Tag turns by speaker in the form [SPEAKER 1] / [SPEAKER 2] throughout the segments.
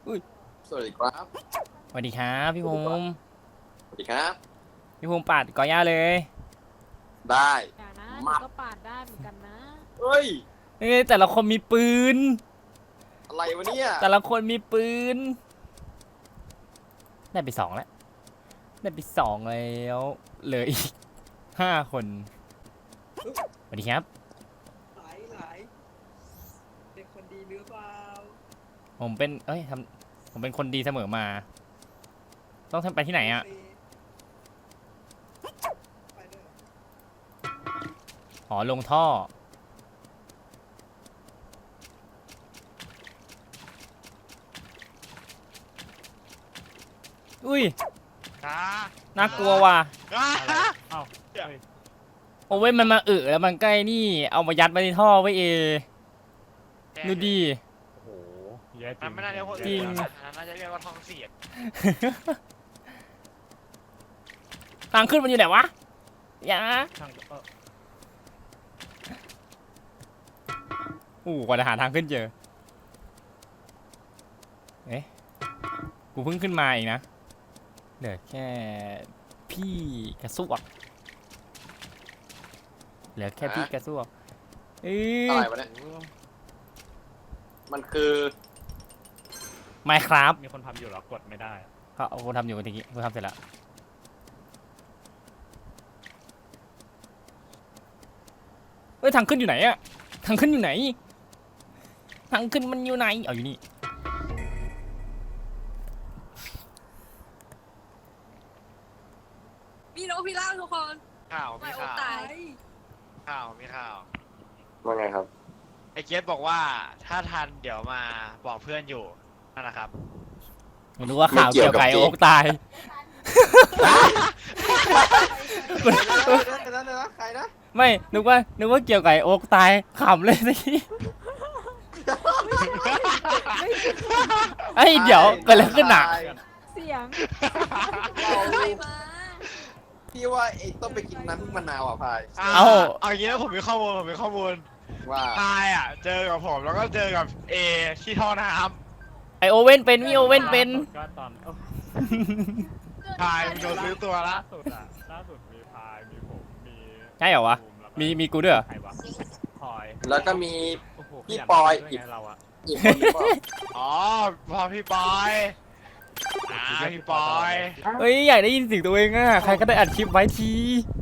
[SPEAKER 1] อุ้ย
[SPEAKER 2] สวัสดีครับ
[SPEAKER 1] สวัสดีครับพี่ภูมิ
[SPEAKER 2] สวัสดีครับ
[SPEAKER 1] พี่ภูมิปาดกอย่าเลย
[SPEAKER 2] ได้
[SPEAKER 3] อย่านะหนู
[SPEAKER 2] มา
[SPEAKER 3] ก็ปาดได้เหมือนกันนะ
[SPEAKER 2] เฮ้ย
[SPEAKER 1] เอ้ยแต่ละคนมีปืน
[SPEAKER 2] อะไรวะเนี่ย
[SPEAKER 1] แต่ละคนมีปืน ได้ไป2แล้ว ได้ไป2แล้วเหลืออีก5 คนสวัสดีครับ
[SPEAKER 4] หลายเป็นคนดีหรือเปล่า
[SPEAKER 1] ผมเป็นผมเป็นคนดีเสมอมา ต้องทำไปที่ไหนอะ
[SPEAKER 4] ไปด้วย
[SPEAKER 1] อ๋อลงท่อ อุ้ย น่ากลัวว่ะ
[SPEAKER 5] เอ้าเฮ้ย
[SPEAKER 1] โอ้เว้ยมันมาแล้วมันใกล้นี่ เอามายัดไว้ในท่อไว้ดูดี
[SPEAKER 5] โอ้โหแย่จริ
[SPEAKER 6] มัน
[SPEAKER 5] ง
[SPEAKER 6] ไม่น่าเรียกว่า
[SPEAKER 1] จริง
[SPEAKER 6] น่าจะเรียกว่าท้องเสียด
[SPEAKER 1] ทางขึ้นมันอยู่ไหนวะ อย่า
[SPEAKER 5] ช่าง
[SPEAKER 1] กว่าจะหาทางขึ้นเจอ เอ๊ะ กูเพิ่งขึ้นมาเองนะ เหลือแค่พี่กระซวก เหลือแค่พี่กระซวก
[SPEAKER 2] อะไรวะเนี่ย มันคือ
[SPEAKER 1] ไม่ครับ
[SPEAKER 5] มีคนทำอยู่เหรอกดไม่ได้
[SPEAKER 1] เขาเอาคนทำอยู่เมื่อกี้กูทำเสร็จแล้ว เฮ้ยทางขึ้นอยู่ไหนอะทางขึ้นอยู่ไหน ทางขึ้นมันอยู่ไหนเอาอยู่นี่
[SPEAKER 7] มีนกพิราบทุกคน
[SPEAKER 6] ข่าว
[SPEAKER 7] ไม่
[SPEAKER 6] มี
[SPEAKER 7] โอ
[SPEAKER 6] ข่าว
[SPEAKER 7] ตาย
[SPEAKER 6] มีข่าว
[SPEAKER 2] ว่าไงครับ
[SPEAKER 6] ไอ้เกสบอกว่าถ้าทันเดี๋ยวมาบอกเพื่อนอยู่นั่นแหละครับ
[SPEAKER 1] ไม่รู้ว่าข่าวเกี่ยวกับไก่โอ๊กตาย
[SPEAKER 2] ใครนะ
[SPEAKER 1] ไม่นึกว่าเกี่ยวกับไอ้โอ๊กตายขำเลยสิไอ้ยเดี๋ยวเกิดอะไรขึ้นอ่ะ
[SPEAKER 3] เสียง
[SPEAKER 7] ใครมา
[SPEAKER 2] พี่ว่าเองต้องไปกินน้ำพึ่งมะนาวอ่ะพาย
[SPEAKER 1] เอา
[SPEAKER 6] เอาอย่างนี้นะผมมีข้อมูล
[SPEAKER 2] ว่า
[SPEAKER 6] พายอ่ะ เจอกับผมแล้วก็เจอกับเอที่ท่อน้
[SPEAKER 1] ไอโอเว่นเป็นมีโอเว่นเป็น
[SPEAKER 5] ก็ตอนเอ้า
[SPEAKER 6] ำพายมันโดนซื้อตัวละ
[SPEAKER 5] ล่าสุดมีพายมีผมมี
[SPEAKER 1] ใช่เหรอวะ
[SPEAKER 5] บูแล้วก็
[SPEAKER 1] มีกูด้วยเหรอ
[SPEAKER 5] ใครวะพลอย
[SPEAKER 2] แล้วก็มี
[SPEAKER 5] โอ้โห
[SPEAKER 2] พี่
[SPEAKER 5] ขยัน
[SPEAKER 2] ปอย
[SPEAKER 5] ด้วยไงเราอะ
[SPEAKER 2] อีกคนนึงบอก
[SPEAKER 6] อ๋อพอพี่ปอยพี่ปอย
[SPEAKER 1] เฮ้ยอยากได้ยินเสียงตัวเองอ่ะใครก็ได้อัดคลิปไว้ที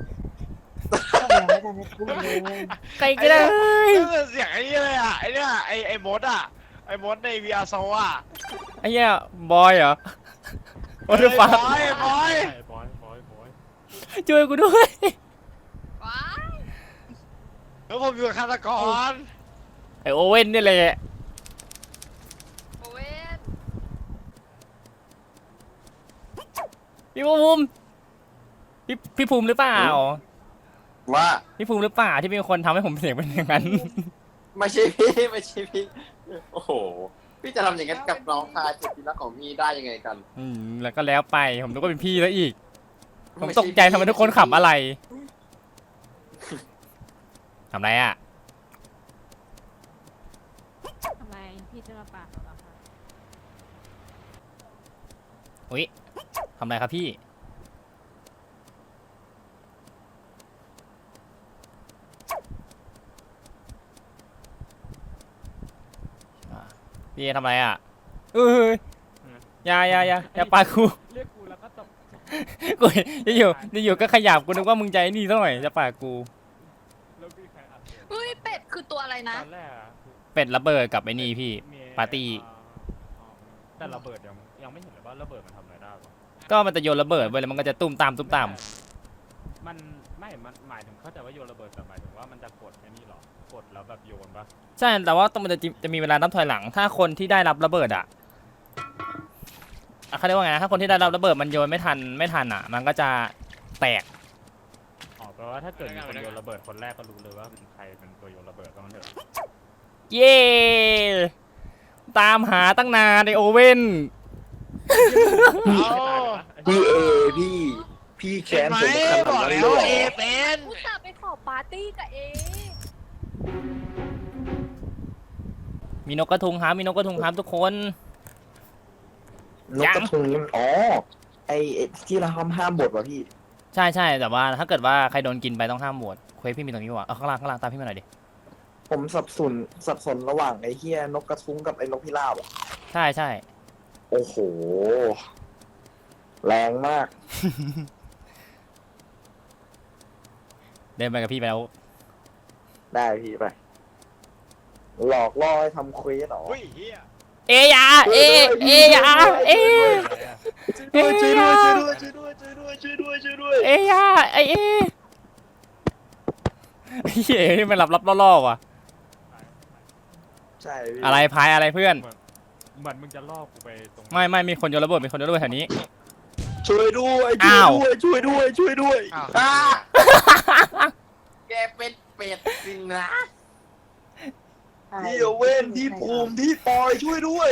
[SPEAKER 1] ใครก็ได้
[SPEAKER 6] นี่เสียงไอ้นี่เลยอ่ะไอ้เนี่ยไอ้มดอ่ะไอ้มดใน VR โซอ่ะ
[SPEAKER 1] ไอ้เหี้ยบอยเหรอโอ้ยฟ้า
[SPEAKER 6] บอย
[SPEAKER 5] บอย
[SPEAKER 1] ช่วยกูด้วย
[SPEAKER 7] ว้าย
[SPEAKER 6] แล้วผมอยู่กับฆาตกร
[SPEAKER 1] ไอโอเว่นนี่แหละ
[SPEAKER 7] โอเว่น
[SPEAKER 1] พี่ภูมิพี่ภูมิหรือเปล่า
[SPEAKER 2] ว่า
[SPEAKER 1] พี่ภูมิหรือเปล่าที่เป็นคนทำให้ผมเสียงเป็นอย่างนั้น
[SPEAKER 2] ไม่ใช่พี่ไม่ใช่พี่ โอ้โห พี่จะทำอย่างนั้นกับน้องชายสุดที่รักของพี่ได้ยังไงกัน
[SPEAKER 1] แล้วก็แล้วไปผมนึกว่าเป็นพี่แล้วอีก ผม
[SPEAKER 2] ไม่
[SPEAKER 1] ต
[SPEAKER 2] ช่
[SPEAKER 1] กใจทำไมทุกคนขำอะไรทำไรอ่ะ
[SPEAKER 3] ทำไมพี่จะมาปาดเราเหรอคะ
[SPEAKER 1] อุ้ยทำไรครับพี่พี่ทำไรอ่ะเอ้ยอย่าปากู
[SPEAKER 5] เรียกกูแล้วก็ตบ
[SPEAKER 1] กูอยู่ก็ขยับกูนึกว่ามึงใจนี่ซะหน่อยจะปากู
[SPEAKER 5] แล้วมีใครอัด
[SPEAKER 7] เฮ้ยเป็ดคือตัวอะไรนะ
[SPEAKER 5] ตอนแรกอะ
[SPEAKER 1] เป็ดระเบิดกับไอ้นี่พี่
[SPEAKER 5] มี
[SPEAKER 1] ปาร์ตี้
[SPEAKER 5] อ๋อแต่ระเบิดยังไม่เห็นเลยว่าระเบิดมันทำอะไรได้ปะ
[SPEAKER 1] ก็มันจะโยนระเบิดไปแล้วมันก็จะตุ้มตาม
[SPEAKER 5] มันไม่มันหมายถึงเข้าใจว่าโยนระเบิดแต่หมายถึงว่ามันจะกดไอ้นี่เหรอกดแล้วแบบโยนปะ
[SPEAKER 1] ใช่แต่ว่าต้องมันจะมีเวลานับถอยหลัง ถ้าคนที่ได้รับระเบิดอ่ะเขาเรียกว่าไงนะถ้าคนที่ได้รับระเบิดมันโยนไม่ทันอ่ะ มันก็จะแตก
[SPEAKER 5] อ๋อแปลว่าถ้าเกิดมีคนโยนระเบิดคนแรกก็รู้เลยว่าใครเป็นตัวโยนระเบิดต้องเถอะ
[SPEAKER 1] เย้ตามหาตั้งนานในโอเว่น
[SPEAKER 6] เอา
[SPEAKER 2] พี่เอพี่แค้นผมขนาด
[SPEAKER 6] บอก
[SPEAKER 2] นั้น
[SPEAKER 6] แล้
[SPEAKER 2] เล
[SPEAKER 6] วย ว่า
[SPEAKER 2] เหร
[SPEAKER 6] เอ
[SPEAKER 2] อ
[SPEAKER 6] เป็น
[SPEAKER 7] อุตส่าห์ไปขอปาร์ตี้กับเอ
[SPEAKER 1] มีนกกระทุงครับทุกคน
[SPEAKER 8] นกกระทุงนี่มันอ๋อไอที่เราห้ามบทว่ะพี่
[SPEAKER 1] ใช่ใช่แต่ว่าถ้าเกิดว่าใครโดนกินไปต้องห้ามโหวตเควสพี่มีตรงนี้ว่ะเอาข้างล่างตามพี่มาหน่อยดิ
[SPEAKER 8] ผมสับสนระหว่างไอ้เฮียนกกระทุงกับไอ้นกพิราบอ่ะ
[SPEAKER 1] ใช่ใช่
[SPEAKER 8] โอ้โห แรงมาก
[SPEAKER 1] เดินไปกับพี่ไปแล้ว
[SPEAKER 8] ได้พี่ไป หลอกล่อให้ทำเควสเหรอ
[SPEAKER 6] อุ้ยเฮีย
[SPEAKER 1] เอยาเอยาเอ
[SPEAKER 8] ช่วยด้วยช่วยด้วยช่วยด้วยช่วยด้วยช่วยด้วยช่วยด้วย
[SPEAKER 1] เอยาเอเฮ้ยนี่มันหลับล่อๆว่ะ
[SPEAKER 8] ใช่พี่
[SPEAKER 1] อะไรพายอะไรเพื่อน
[SPEAKER 5] เหมือนมึงจะล่อกูไปตรง
[SPEAKER 1] ไม่มีคนโยนระเบิดมีคนโยนระเบิดแถวนี้
[SPEAKER 8] ช่วยด้วย
[SPEAKER 1] อ้าว
[SPEAKER 8] ช่วยด้วยช่วยด้วย
[SPEAKER 6] อ้าว
[SPEAKER 2] อ่าแกเป็นเป็ดจริงนะ
[SPEAKER 8] พี่เว้นพี่ภูมิพี่ปอยช่วยด้วย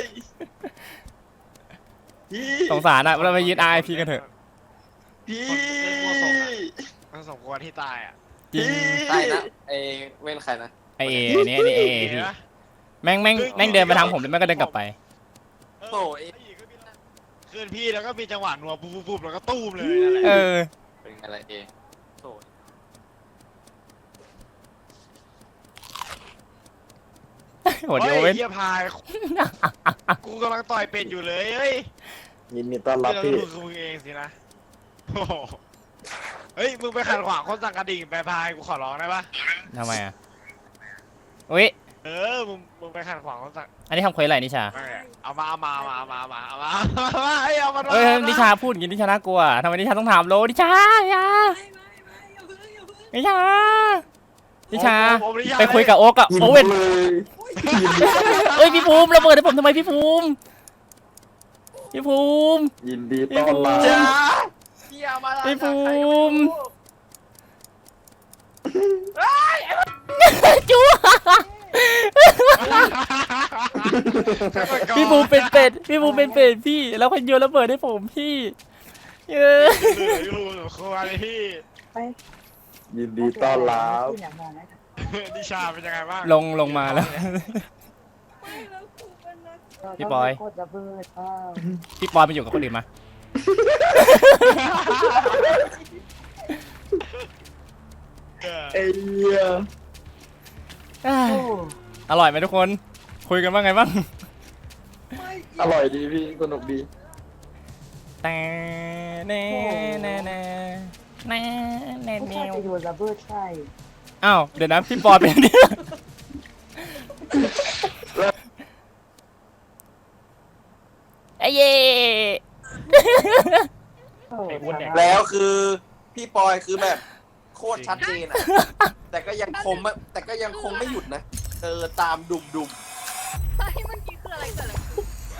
[SPEAKER 8] พี่
[SPEAKER 1] สงสารอะเราไปยึด RIP กันเถอะ
[SPEAKER 8] พี่
[SPEAKER 6] มันสมควรที่ตายอ่ะ
[SPEAKER 1] จริง
[SPEAKER 2] ใช่นะไอเว้นใครนะ
[SPEAKER 1] ไอเอเนี่ยไอเอพี่แม่งเดินไปทางผมแล้วแม่งก็เดินกลับไป
[SPEAKER 2] โอ้ย
[SPEAKER 6] คืนพี่แล้วก็มีจังหวะนัวปุ๊บแล้วก็ตู้มเลยนั่นแหละ
[SPEAKER 1] เออ
[SPEAKER 2] เป็นอะไรเอโอ้ย
[SPEAKER 1] โหเดียวเว้น
[SPEAKER 6] เฮียพาย กูกำลังต่อยเป็ดอยู่เลยเฮ้ย
[SPEAKER 8] ยินดีต้อนรับ
[SPEAKER 6] เรา
[SPEAKER 8] พี่
[SPEAKER 6] ดูคือมึงเองสินะโอ้โหเฮ้ยมึงไปขัดขวางคนสั่งกระดิ่งไปพายกูขอร้องได้ปะ
[SPEAKER 1] ทำไมอะอุ้ย
[SPEAKER 6] มึงไปขัดขวางคนสั่ง
[SPEAKER 1] อันนี้ทำเควสอะไรนิชา
[SPEAKER 6] เอามาให้เอามา
[SPEAKER 1] เอ้ยนิชาพูดอย่างนี้นิชาน่ากลัวทำไมนิชาต้องถามโลนิชาอย่า
[SPEAKER 4] ไม่อย่าเพิ่ง
[SPEAKER 1] นิชา
[SPEAKER 6] ผม
[SPEAKER 1] ไปคุยกับโอ๊กอะ
[SPEAKER 8] ยิน
[SPEAKER 1] โอ
[SPEAKER 8] ดี
[SPEAKER 1] เว่น
[SPEAKER 8] เลย
[SPEAKER 1] เอ้ยพี่ภูมิระเบิดให้ผมทำไมพี่ภูมิพี่ภูมิ
[SPEAKER 8] ยินดีต้อนรับ
[SPEAKER 2] จ้าเที่ยมาแล้ว
[SPEAKER 1] พี่ภูมิ จู๊พี่ภูมิเป็นเป็ดพี่ภูมิเป็นเป็ดพี่แล้วคนโยนระเบิดให้ผมพี่เออ
[SPEAKER 6] อยู่ครัวเลยพี่
[SPEAKER 8] ยินดีต้อนรับ
[SPEAKER 6] นิชาเป็นยังไงบ้าง
[SPEAKER 1] ลงมาแล้ว
[SPEAKER 4] ไม่แล้วกูเป็นนัก
[SPEAKER 1] พี่ปอยพี่ปอยไปอยู่กับคนอื่นมา
[SPEAKER 8] ไอ้เหี้ย
[SPEAKER 1] อร่อยไหมทุกคน คุยกันว่าไงบ้าง
[SPEAKER 4] ไม่
[SPEAKER 8] อร่อยดีพี่สนุกดี
[SPEAKER 1] แต่แน่แน่แน่แน่แน่
[SPEAKER 9] ไม่
[SPEAKER 1] แน่
[SPEAKER 9] ใช่จะโยนระเบิดใช่
[SPEAKER 1] อ้าวเดี๋ยวนะพี่ปอยเป็นเนี่ยไอ้เย่
[SPEAKER 2] แล้วคือพี่ปอยคือแบบโคตรชัดเจนอะแต่ก็ยังคงไม่หยุดนะตามดุม
[SPEAKER 7] เฮ้ยเมื่อกี้คืออะไรเกิดอะไรขึ้น